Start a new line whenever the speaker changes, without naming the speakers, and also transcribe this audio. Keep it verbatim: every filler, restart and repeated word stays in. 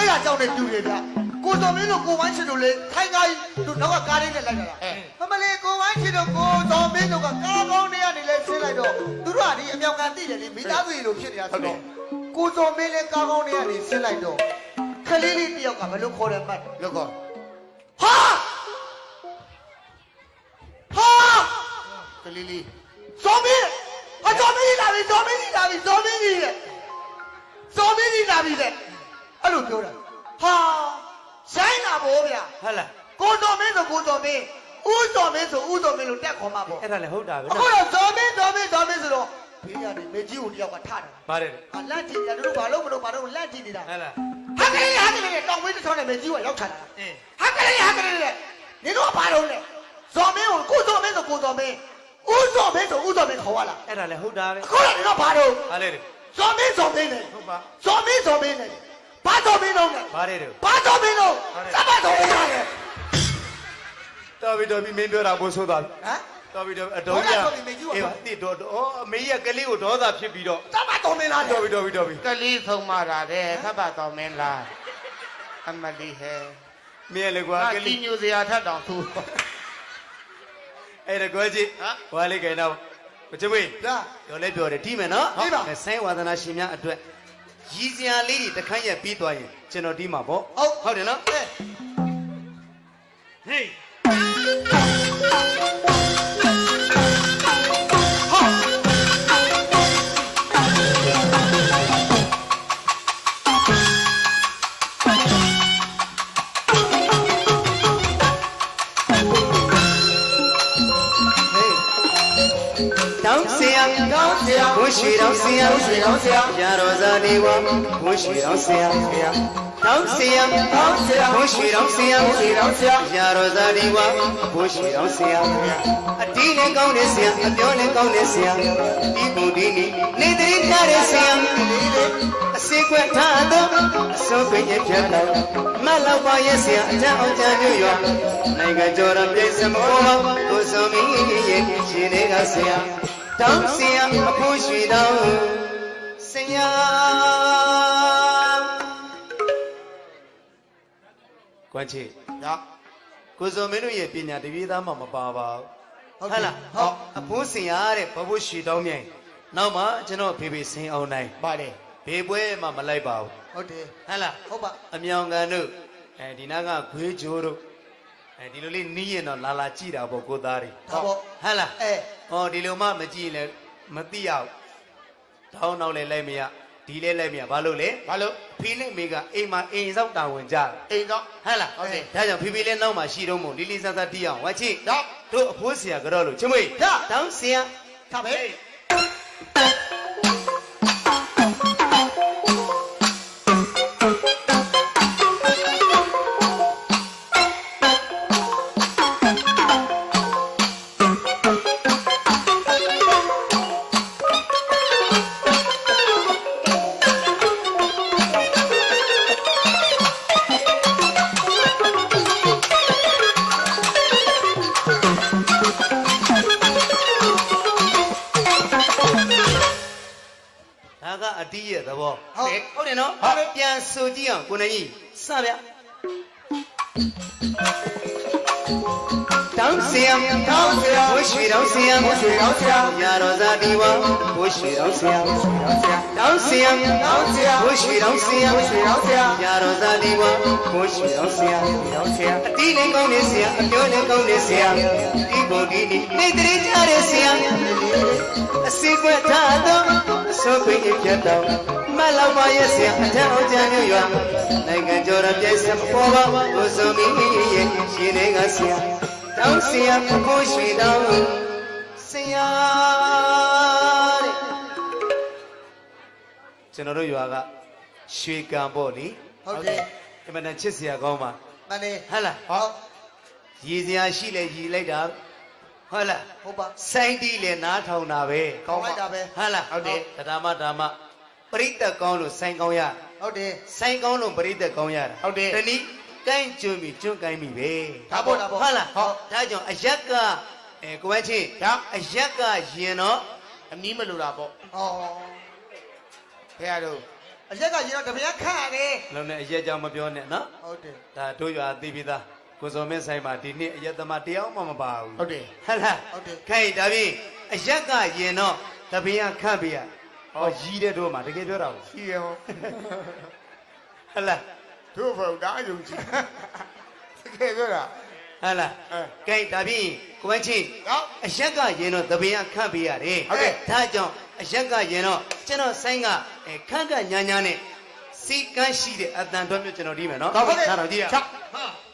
ရကြောင်းနဲ့တူတယ်ဗျကိုတော်မင်းတို့ကိုဝိုင်းချစ်တို့လေခိုင်းကားတို့နောက်ကကားလေးနဲ့လိုက်လာတာမမလေးကိုဝိုင်းချစ်တို့ကိုတော်မင်းတို့ကကားကောင်းတွေကနေလဲဆင်းလိုက်တော့သူတို့ကဒီအမြောင်ကန်သိတယ်လေမိသားစုတွေလိုဖြစ်နေတာဆိုတော့ကိုတော်မင်းလည်းကားကောင်းတွေကနေဆင်းလိုက်တော့ခလေးလေးတယောက်ကဘယ်လိုခေါ်တယ်မှတ်လို့ကောဟာဟာကလေးလေးဇော်မင်းအဇော်မင်းလာပြီဇော်မင်းလာပြီဇော်မင်းကြီးလေဇော်မင်းကြီးလာပြီလေအဲ့လိုပြောတာဟာဆိုင်လာဘောဗျာဟုတ်လားကိုတော်မင်းဆိုကိုတော်မင်းဦးတော်မင်းဆိုဦးတော်မင်းလို့တက်ခေါ်မှာပေါ့
အဲ့ဒါလည်းဟုတ်တာပဲ
အခုတော့ဇော်မင်းဇော်မင်းဇော်မင်းဆိုတော့ဘေးကနေမေကြီးကိုတယောက်ကထတာ
ပါတယ်
ဟာလက်ကြည့်တယ်တို့ဘာလို့မလို့ဘာလို့လက်ကြည့်နေတာ
ဟုတ်လား
ဟာကလေးဟာကလေးတောင်ဝင်းတစ်ချောင်းနဲ့မေကြီးကရောက်ချတာအင်းဟာကလေးဟာကလေးလေနင်တို့ကဘာလို့လဲဇော်မင်းကိုကိုတော်မင်းဆိုကိုတော်မင်းဦးဇော်မင်းဆိုဦးဇော်မင်းခေါ်ရလား
အဲ့ဒါလည်းဟုတ်တာပဲ
အခုတော့နင်တို့ဘာလို့
ဟာလေ
ဇော်မင်းဇော်မင်းလေ
ဟုတ်ပါ
ဇော်မင်းဇော်မင်းလေဘာဇော်မင်းတော့လဲ
ပါတယ်တော့
ဘာဇော်မင်းတော့စပါဇော်မင်းလေ
တော်ပြီတော်ပြီမင်းပြောတာဘိုးဆိုးသွားပြီ
ဟမ်
တော်ပြီတော်အတော်ကြီးအေးပါတိတော်ဩအမေကြီးကကလေးကိုဒေါသဖြစ်ပြီးတော့
စပါဇော်မင်းလား
တော်ပြီတော်ပြီတော်ပြီ
ကလေးဆုံးမတာတဲ့စပါဇော်မင်းလားအမလီဟဲ
မင်းလေကွာ
ကလေးညိုစရာထက်တောင်သူ
အဲ့ဒါကွာကြီးဟွာလေးကိန်းတော့မချွေး
ဒါ
ပြောလဲပြောတယ်ဒီမယ်နော်ဆိုင်းဝါသနာရှင်များအတွက်ရည်စရာလေးတွေတခန့်ရက်ပြီးသွားရင်ကျွန်တော်ဒီမှာပေါ့
ဟုတ်
ဟုတ်တယ်နော်ဟေးတောင်းဆရာ
တောင်းဆရာ
ဘုရှိတော်ဆရာ
ဘုရှိတော်ဆရာ
ရာတော်ဇာတိဝဘုရှိတော်ဆရာတောင်းဆရာ
တောင်းဆရာ
ဘုရှိတော်ဆရာ
ဘုရှိတော်ဆရာ
ရာတော်ဇာတိဝဘုရှိတော်ဆရာအတီးနဲ့ကောင်းတဲ့ဆရာအပြောနဲ့ကောင်းတဲ့ဆရာဒီဘုဒ္ဓီနေတိရတဲ့ဆရာအစေခွက်ထားသောအစုံပြည့်ပြတ်တော်မလောက်ပါရဲ့ဆရာအထက်အောင်ချမ်းမြို့ရွာနိုင်ငံကျော်တော်ပြည်စမောကိုစုံမီရဲ့ရှင်တွေကဆရာတောင်းဆရာအဖို့ရွှေတော်ဆရာကွမ်းချေ
ည
ကိုစုံမင်းတို့ရဲ့ပညာတပြေးသားမှမပါပါဘူးဟုတ်လား
ဟုတ်
အဖို့ဆရာတဲ့ဘဖို့ရွှေတော်မြိုင်နောက်မှကျွန်တော်ဖေဖေစင်အောင်နိုင်
ပါတယ်
ဘေးပွဲမှမလိုက်ပါဘူး
ဟုတ်တယ်
ဟုတ်လား
ဟုတ်ပါ
အမြောင်ကန်တို့အဲဒီနာကခွေးချိုးတို့အဲဒီလိုလေးနီးရင်တော့လာလာကြည့်တာပေါ့ကိုသားတွေ
ဟုတ်ပေါ့
ဟုတ်လား
အဲ
ဟောဒီလိုမှမကြည့်လဲမသိရဘူးတောင်းတော့လဲလိုက်မရဒီလဲလိုက်မရဘာလို့လဲ
ဘာလို့
ဖေးနဲ့မေကအိမ်မှာအိမ်ဆောက်တာဝန်ကြ
အိမ်တော့
ဟုတ်လား
ဟုတ်တယ်
ဒါကြောင့်ဖေဖေလည်းနောက်မှရှိတော့မို့လီလီဆန်းဆန်းတီးအောင်ဝါချစ်
တော့
တို့အဖိုးဆရာကတော့လို့ချမွေတောင်းဆရာ
ထားပဲ
အတီးရဲ့သဘောဟုတ်ဟုတ်တယ်နော်ပြန်ဆိုကြည့်အောင်ကိုနေကြီးစဗျတောင်းဆရာ
တောင်းဆရာ
ဘုရှိတော်ဆရာ
ဘုရှိတော်ဆရာ
ရာတော်ဇာတိဝဘုရှိတော်ဆရာတောင်းဆရာ
တောင်းဆရာ
ဘုရှိတော်ဆရာ
ဘုရှိတော်ဆရာ
ရာတော်ဇာတိဝဘုရှိတော်ဆရာ
တောင်းဆရာ
အတီးနဲ့ကောင်းနေဆရာအပြောနဲ့ကောင်းနေဆရာဒီဘုဒ္ဓီနေတည်းကြတဲ့ဆရာအစီကွက်ထားသောအစိုးပိတ်ပြတ်တော်မလောက်ပါရဲ့ဆရာအထက်အောင်ချမ်းမြို့ရွာနိုင်ငံကျော်ရပြည့်စံပေါ်ပါကိုစုံမီရဲ့ရှင်တွေကဆရာတောင်းဆရာကိုရွှေတော်ဆရာတဲ့ကျွန်တော်တို့ရွာကရွှေကံပေါ့လေ
ဟုတ်တယ်
အမှန်တန်ချစ်ဆရာကောင်းပါ
မှန်တယ်
ဟဟလား
ဟုတ်
ရည်စရာရှိလဲရည်လိုက်တာဟုတ်လား
ဟုတ်ပါ
စိုင်းတီးလဲနားထောင်တာပဲ
ကောင်းလိုက်တာပဲ
ဟုတ်လားဟုတ်တယ်ဓမ္မဓမ္မပရိသတ်ကောင်းလို့စိုင်းကောင်းရ
ဟုတ်တယ်
စိုင်းကောင်းလို့ပရိသတ်ကောင်းရတာ
ဟုတ်တယ်
တနည်းကိုင်းကျွန်းပြီကျွန်းကိုင်းပြီပဲ
ဒါပေါ့ဒါပေါ့
ဟုတ်လားဟုတ်ဒါကြောင့်အရက်ကအဲကိုဝဲချင်းဒါအရက်ကရင်တော့
အနီးမလို့တာပေါ့
ဩ
ဖះတို့
အရက်ကရင်တော့တပည့်ခန့်ရတယ်
လုံးနဲ့အရက်ကြောင့်မပြောနဲ့နော်
ဟုတ်တယ်
ဒါတို့ရွာသိပြီးသားကိုစော်မင်းဆိုင်မှာဒီနေ့အရက်သမားတယောက်မှမပါဘူး
ဟုတ်တယ်
ဟတ်လား
ဟုတ်တယ်
ခိုင်ဒါဖြင့်အရက်ကရင်တော့တပင်းခန့်ပေးရဟောရီးတဲ့တို့မှာတကယ်ပြောတာဘူး
ရှိရော
ဟတ်လား
တို့ဖို့ဒါအယုံကြည်တကယ်ပြောတာ
ဟတ်လား
အဲ
ကဲဒါဖြင့်ကိုဝင်းချင်း
နော်
အရက်ကရင်တော့တပင်းခန့်ပေးရတယ်
ဟုတ်ကဲ့
ဒါကြောင့်အရက်ကရင်တော့ကျွန်တော်ဆိုင်ကအဲခန့်ကညာညာနဲ့စီကန်းရှိတဲ့အတန်တော်မျိုးကျွန်တော်ဒီမယ်နော်
ဟုတ်ကဲ့
ထားတော့ကြည့်ရ
ချက်
ဟာ